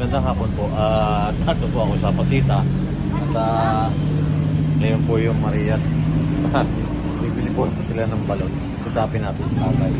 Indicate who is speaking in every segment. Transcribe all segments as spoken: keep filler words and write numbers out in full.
Speaker 1: magandang hapon po. At uh, narito po ako sa Pasita. At uh, ngayon po yung Marias. Bibili po sila ng balon. Kusapin natin si tatay.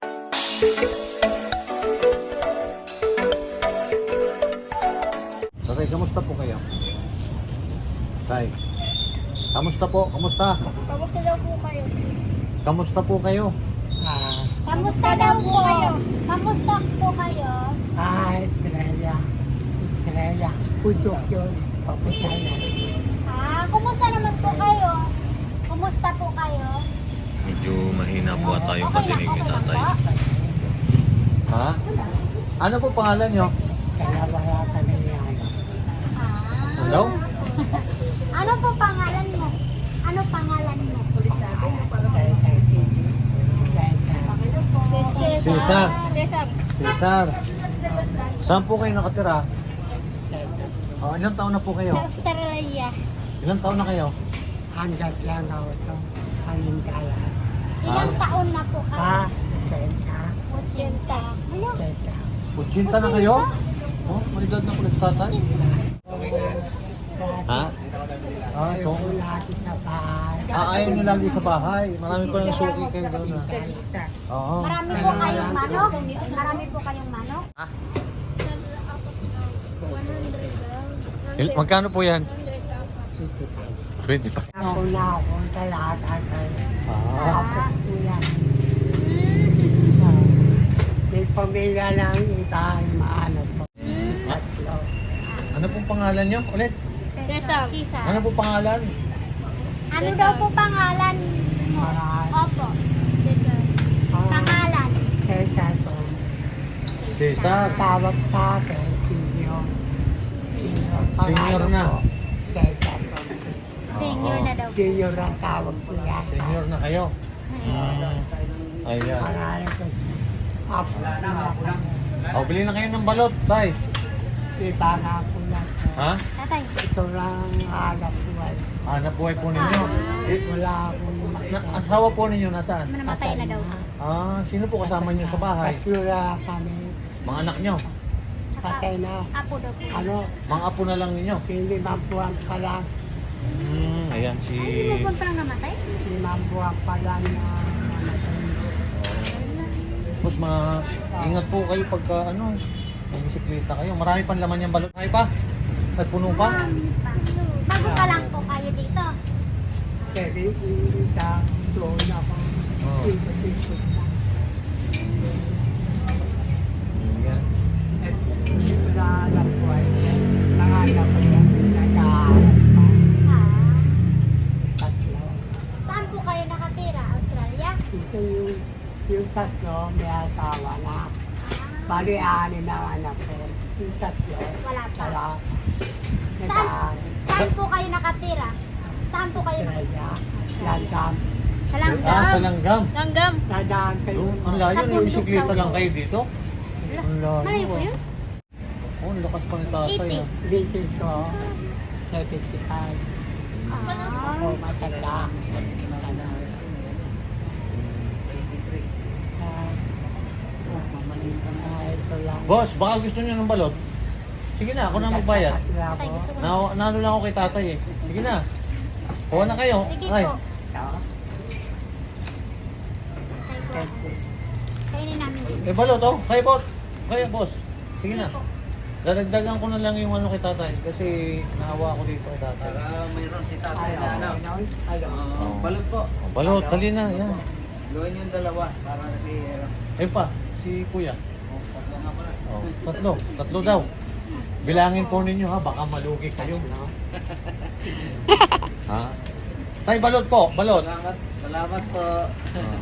Speaker 1: Tatay, kamusta po kayo? Tay, kamusta po? Kamusta?
Speaker 2: Kamusta daw po kayo?
Speaker 1: Kamusta po kayo?
Speaker 3: Ah,
Speaker 2: Kamusta daw po kayo? Kamusta po kayo?
Speaker 3: ah, Estrella. Estrella. Putok yun. Papunta na.
Speaker 2: Ah, kumusta naman po kayo? Kumusta po kayo?
Speaker 1: Medyo mahina po ata yung
Speaker 2: Okay
Speaker 1: patinig
Speaker 2: lang,
Speaker 1: ni
Speaker 2: okay lang
Speaker 1: tatay.
Speaker 2: po.
Speaker 1: Ha? Ano po pangalan nyo?
Speaker 3: Kaya wala kami yan.
Speaker 2: Ah.
Speaker 1: Hello?
Speaker 2: Ano po pangalan mo? Ano pangalan mo?
Speaker 3: Cesar Pidis. Cesar.
Speaker 1: Cesar.
Speaker 2: Cesar.
Speaker 1: Cesar. Saan po kayo nakatira?
Speaker 3: Cesar.
Speaker 1: Oh, ilang taon na po kayo?
Speaker 2: Sa Australia.
Speaker 1: Ilang taon na kayo?
Speaker 3: Hanggat lang ako ito. Halingkala.
Speaker 2: Ilang taon na po kayo?
Speaker 3: Ah, Cesar.
Speaker 2: Otsenta. Ano?
Speaker 3: Cesar.
Speaker 1: Utsinta na kayo? Oh, may edad na po nagtatay? Ha? Ah, so,
Speaker 3: Ayaw ko lagi sa bahay.
Speaker 1: ah, ayaw nyo lagi sa bahay. Marami pa ng suki kayo doon ah. Oo.
Speaker 2: Marami po kayong manok? Marami po kayong manok?
Speaker 1: Ah. Il- magkano po yan? twenty pa.
Speaker 3: Ako na ako talaga kayo.
Speaker 1: Ah.
Speaker 3: Tapos ko yan. May pamilya lang iba ay maano po. Tatlo.
Speaker 1: Ano pong pangalan nyo? Ulit?
Speaker 2: Cesar. Cesar.
Speaker 1: Ano pong pangalan?
Speaker 2: Ano daw po pangalan mo?
Speaker 3: Pangalan.
Speaker 2: Opo. Cesar.
Speaker 3: Ah,
Speaker 2: Pangalan.
Speaker 3: Cesar po.
Speaker 1: Cesar.
Speaker 3: Tawag sa akin, senior. Senior.
Speaker 1: Senior na.
Speaker 3: po, Cesar po.
Speaker 2: Senior na daw po.
Speaker 3: Senior ang tawag ko yan.
Speaker 1: Senior na kayo.
Speaker 2: Ayun.
Speaker 1: Mm. Ayan.
Speaker 3: Pangalan ko. Apo na ako.
Speaker 1: O, bili na kayo ng balot, tay.
Speaker 3: Iba na ako na.
Speaker 1: Ha?
Speaker 2: Tatay.
Speaker 3: Ito lang hanap buhay.
Speaker 1: Hanap buhay po ninyo. Eh,
Speaker 3: Wala akong
Speaker 1: na, asawa po ninyo nasaan?
Speaker 2: Namatay na daw.
Speaker 1: Ah, sino po kasama nyo sa bahay?
Speaker 3: Katsura kami.
Speaker 1: Mga anak nyo?
Speaker 3: Patay na.
Speaker 2: Apo daw po.
Speaker 3: Ano?
Speaker 1: Mga apo na lang ninyo?
Speaker 3: Limang buwan pa lang.
Speaker 1: Hmm, ayan si...
Speaker 2: Ay, hindi mo pa lang namatay?
Speaker 3: Limang buwan pa lang na namatay.
Speaker 1: Tapos mga... Ingat po kayo pagka ano... May bisikleta kayo. Marami pang laman yung balot. Ay pa? May puno pa?
Speaker 2: Marami pa. Bago pa lang po kayo dito.
Speaker 3: Kaya sa doon ako.
Speaker 1: Oo.
Speaker 3: Ikot-ikot na.
Speaker 1: Ayan.
Speaker 3: At naghahanap ko ay nanganap ko yan. Naghahanap pa.
Speaker 2: Ah.
Speaker 3: Tatlo.
Speaker 2: Saan po kayo nakatira? Australia?
Speaker 3: Ito yung, yung tatlo may asawa na. Bali, ani na anak ko. Yung tatlo.
Speaker 2: Wala pa.
Speaker 3: Wala.
Speaker 2: Saan?
Speaker 3: Naghahanap.
Speaker 2: Saan po kayo nakatira? Saan po kayo nakatira?
Speaker 3: Australia. Langgam.
Speaker 2: Sa
Speaker 1: Ah, sa
Speaker 2: Langgam.
Speaker 1: langgam.
Speaker 2: Langgam.
Speaker 3: Nadaan kayo.
Speaker 1: Doon, ang layo. May bisikleta lang kayo dito. Ang layo.
Speaker 2: Malayo po
Speaker 1: ah.
Speaker 2: yun?
Speaker 1: Oh, ang lakas pa ni tatay
Speaker 2: eighty.
Speaker 1: ah.
Speaker 3: This is ko. seventy-five.
Speaker 2: Ah.
Speaker 3: Ako matanda. Matanda. Ah, ah, ito lang.
Speaker 1: Boss, baka gusto niyo ng balot? Sige na, ako na magbayad.
Speaker 3: Sila
Speaker 2: Tatay,
Speaker 3: po.
Speaker 2: gusto ko.
Speaker 1: Na, nalo lang ako kay tatay eh. Sige na. Kuha na kayo.
Speaker 2: Sige
Speaker 1: Ay.
Speaker 2: po.
Speaker 3: Ito.
Speaker 2: Tatay po. Kainin namin dito.
Speaker 1: Eh balot oh. Kaya boss. Kaya boss. Sige na.
Speaker 2: po.
Speaker 1: Dadagdagan ko na lang yung ano kay tatay kasi naawa ako dito kay tatay.
Speaker 4: Saka mayroon si tatay
Speaker 3: Ayaw.
Speaker 4: na ano.
Speaker 3: Ayaw. Ayaw.
Speaker 4: Uh, balot po.
Speaker 1: Oh, balot, dali na. Yan.
Speaker 4: Gawin yung dalawa para si...
Speaker 1: Ayun pa, si kuya.
Speaker 4: Oh, tatlo nga pala.
Speaker 1: Oh, tatlo. Tatlo daw. Bilangin po ninyo ha, baka malugi kayo. Ha? Tay, balot po. Balot.
Speaker 4: Salamat. Salamat po.
Speaker 1: Ah.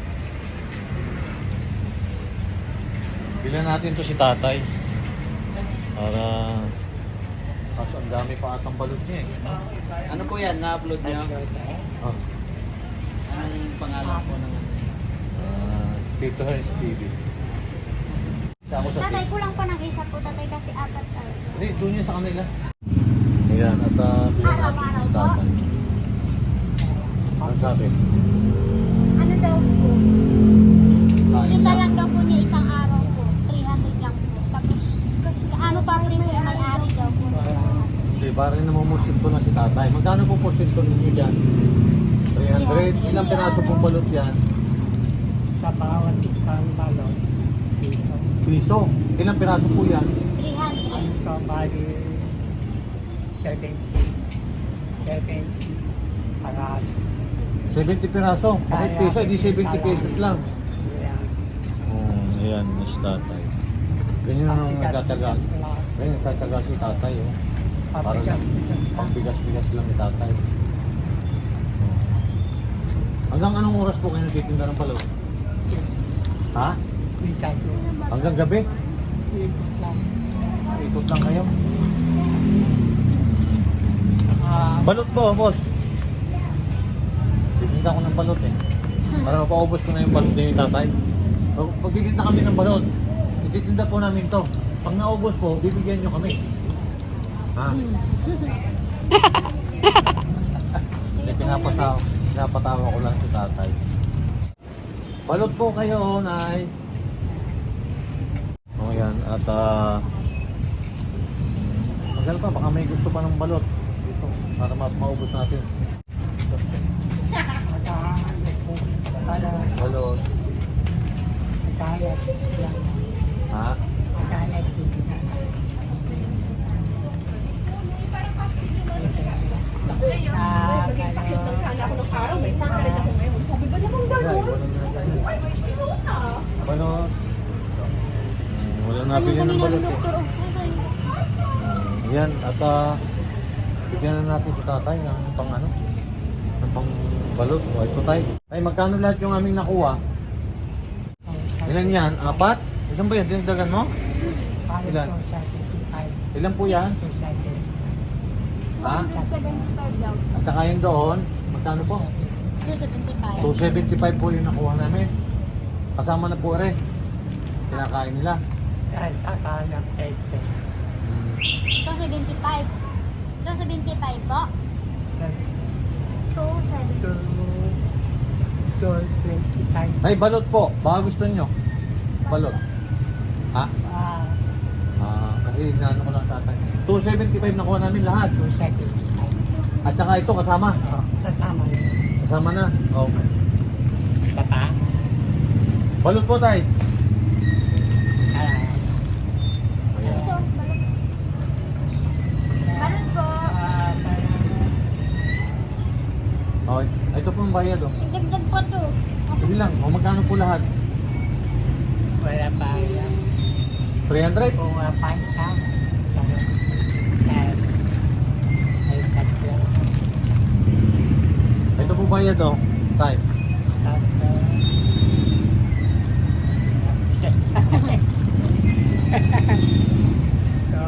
Speaker 1: Bilan natin to si tatay. Para... Kaso ang dami pa atang balot niya eh.
Speaker 4: Ano po yan? Na-upload niyo?
Speaker 1: Oh.
Speaker 4: Anong pangalan po ng...
Speaker 1: Ah, Tito Herz T V. Isa ako sa
Speaker 2: Tatay, kulang pa ng isa po tatay kasi apat tayo.
Speaker 1: Hindi, doon niya sa kanila. Ayan, at uh, bilan natin si tatay. Ano sabi?
Speaker 2: Ano daw po?
Speaker 1: Kain
Speaker 2: Kita
Speaker 1: lang.
Speaker 2: lang daw po niya isang araw po. three hundred lang po. Tapos, kasi ano pa premium
Speaker 1: parang namumusit ko na si tatay. Magkano po porsyento ninyo dyan? three hundred. Ilang piraso pong balot yan?
Speaker 3: Sa bawat isang balon, dito.
Speaker 1: Piso. Ilang piraso po yan?
Speaker 2: three hundred.
Speaker 3: Ang ito, bali, seventy. seventy. Para,
Speaker 1: seventy piraso. Bakit piso? Hindi seventy pesos lang.
Speaker 3: yan.
Speaker 1: Oh, ayan, mas tatay. Ganyan ang nagtataga. Ganyan nagtataga si tatay. Oh. Para lang, pambigas-bigas lang ni tatay. Oh. Hanggang anong oras po kayo nagtitinda ng balot? Ha?
Speaker 3: Isa ko.
Speaker 1: Hanggang gabi?
Speaker 3: Ikot lang.
Speaker 1: Ikot lang kayo.
Speaker 3: Ah,
Speaker 1: Balot po, boss. Titinda ko ng balot eh. Para mapaubos ko na yung balot ni tatay. Pag pagtitinda kami ng balot, ititinda po namin to. Pag naubos po, bibigyan nyo kami. Ha? Hindi, pinapatawa, pinapatawa ko lang si tatay. Balot po kayo, Nay. O yan, at ah... magal pa, baka may gusto pa ng balot. Dito, para ma maubos natin.
Speaker 3: magkahanap po. Para,
Speaker 1: Balot.
Speaker 3: magkahanap lang.
Speaker 1: Ha?
Speaker 3: Magkahanap dito sa Ah,
Speaker 5: Sakit lang sana ako ng araw, may pangalit ako ngayon. Sabi ba naman
Speaker 1: Ay,
Speaker 5: gano'n?
Speaker 1: balot na ganyan.
Speaker 5: Ay, may sino na.
Speaker 1: Balot. Hmm, wala nabili ng balot eh. Hmm, yan, at ah... bigyan na natin si tatay ng pang ano? Ng pang balot. O, ito tay. Ay, magkano lahat yung aming nakuha? Ilan yan? Apat? Ilan ba yan? Dinagdagan mo? Ilan? Ilan po yan? Ha?
Speaker 2: one seventy-five daw.
Speaker 1: At saka yung doon, magkano po?
Speaker 2: two seventy-five.
Speaker 1: two seventy-five po yung nakuha namin. Kasama na po rin. Kinakain nila. Hmm.
Speaker 2: two seventy-five. two seventy-five po. two seventy-five.
Speaker 1: Ay, balot po. Baka gusto nyo. Balot. Ha? Ah, kasi inaano ko lang tatay. two seventy-five nakuha namin lahat. At saka ito kasama.
Speaker 3: Kasama
Speaker 1: Kasama na. Okay.
Speaker 3: sa pa.
Speaker 1: Balot po tay.
Speaker 3: Ah,
Speaker 1: Ayan.
Speaker 2: Meron po.
Speaker 3: ah,
Speaker 1: Okay. Ito po ang bayad oh.
Speaker 2: Dagdag po to.
Speaker 1: Sige lang. O magkano po lahat?
Speaker 3: wala pa yan.
Speaker 1: three hundred?
Speaker 3: Kung wala pa isa. Ay, ay, tatlo.
Speaker 1: Ito po bayad oh. Tay.
Speaker 3: Tatlo. So,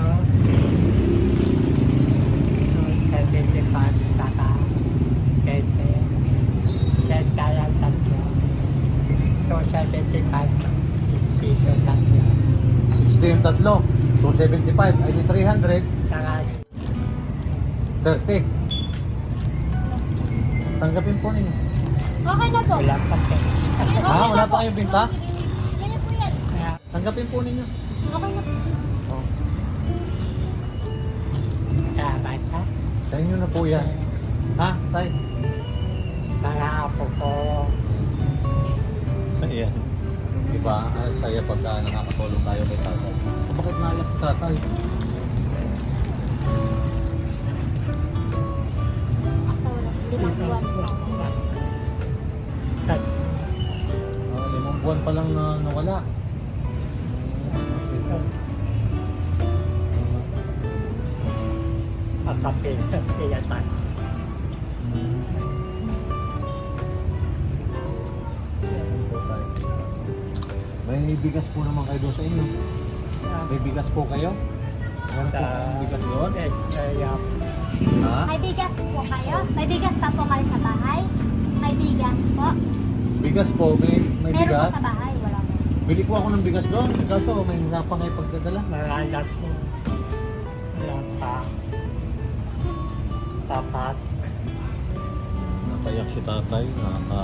Speaker 3: so, seventy-five saka twenty. Set tayo tatlo. So, seventy-five sixty so tatlo.
Speaker 1: sixty yung tatlo. two seventy-five. Ay di three hundred.
Speaker 3: Saka
Speaker 1: thirty. Tanggapin po ninyo.
Speaker 2: Okay na po.
Speaker 3: wala pa po.
Speaker 1: Ha? Wala pa kayong binta?
Speaker 2: Kaya po yan.
Speaker 3: Kaya,
Speaker 1: Tanggapin po ninyo.
Speaker 2: Okay na po.
Speaker 1: Oh.
Speaker 3: kaya bata.
Speaker 1: Sa inyo na po yan. Ha? Tay?
Speaker 3: Mga apo ko.
Speaker 1: Ayan. Diba? Ang saya pagka nakakatulong tayo kay tatay. Bakit naiyak si tatay?
Speaker 2: Sa wala. Limang buwan po.
Speaker 3: Tat,
Speaker 1: Ah, limang buwan pa lang na nawala.
Speaker 3: Makapil. Piyatan.
Speaker 1: May bigas po naman kayo doon sa inyo. May bigas po kayo? Meron po
Speaker 3: Sa
Speaker 1: kayong bigas doon?
Speaker 3: Kaya,
Speaker 1: Ha?
Speaker 2: May bigas po kayo? May bigas pa po kayo sa bahay? May bigas po?
Speaker 1: Bigas po, may, may
Speaker 2: Meron
Speaker 1: bigas.
Speaker 2: po sa bahay? Wala po.
Speaker 1: Bili po ako ng bigas doon. Kaso may hirapan kayo pagdadala.
Speaker 3: Maralak ko. Wala pa. Tapat.
Speaker 1: Napayak si tatay. Naka...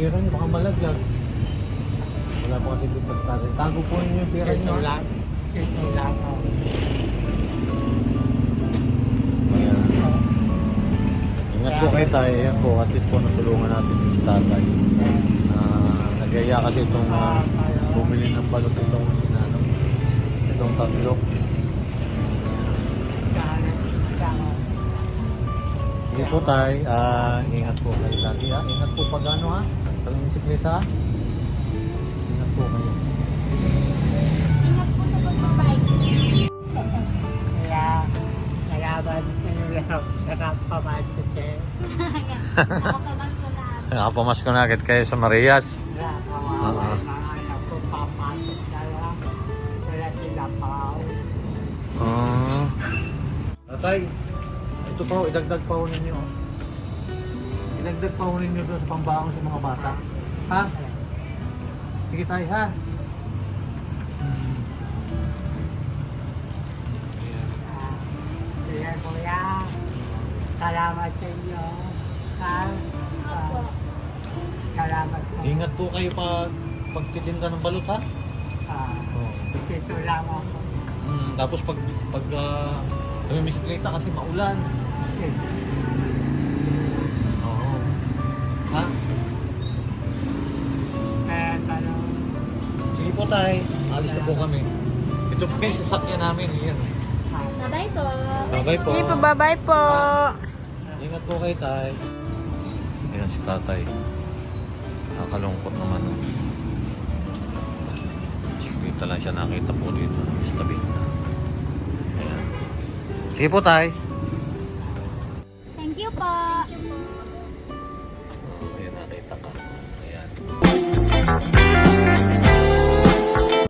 Speaker 1: pera niyo, baka malaglag. Wala po kasi dito sa tatay. Tago po ninyo yung pera niyo.
Speaker 3: Ito
Speaker 1: ha?
Speaker 3: lang. Ito lang. oh.
Speaker 1: Ayan. Ingat po kayo tayo. Ayan po, at least po natulungan natin yung si tatay. Ah, nagaya kasi itong uh, bumili ng balot itong sinano. Itong tatlo.
Speaker 3: Kahanan. Kahanan.
Speaker 1: Sige po tayo. Ah, ingat po kayo lagi ha. Ingat po pag ano ha. Talang bisikleta ha. Ingat po kayo.
Speaker 2: Ingat po sa pagbabike.
Speaker 3: Kaya, nalaban ko lang. Nakapamasok siya.
Speaker 2: Nakapabas ko na.
Speaker 1: Nakapamasko na agad kayo sa Marias.
Speaker 3: Nakawawa ng anak ko. Papasok na lang. Wala sila pa.
Speaker 1: Ah. Tatay, ito pa ho, idagdag pa ho ninyo. Idagdag pa ho ninyo doon sa pambaon sa mga bata. Ha? Sige tayo ha.
Speaker 3: Sige kuya. Salamat sa inyo. Ha?
Speaker 2: Opo.
Speaker 3: Salamat po.
Speaker 1: Ingat po kayo pag pagtitinda ng balot ha.
Speaker 3: Ah,
Speaker 1: Oh.
Speaker 3: Dito lang ako.
Speaker 1: Mm, tapos pag pag uh, may bisikleta kasi maulan. Oo. Ha?
Speaker 3: Kaya tanong.
Speaker 1: Sige po tayo. Alis na po kami. Ito po yung sasakyan namin. Yan.
Speaker 2: Bye-bye po.
Speaker 1: Bye po.
Speaker 5: Sige po, bye-bye po.
Speaker 1: Ingat po kayo tayo. Ayan si tatay. Nakakalungkot naman. Oh. Dito lang siya nakita po dito. Sa tabi. Ayan. Sige po tayo.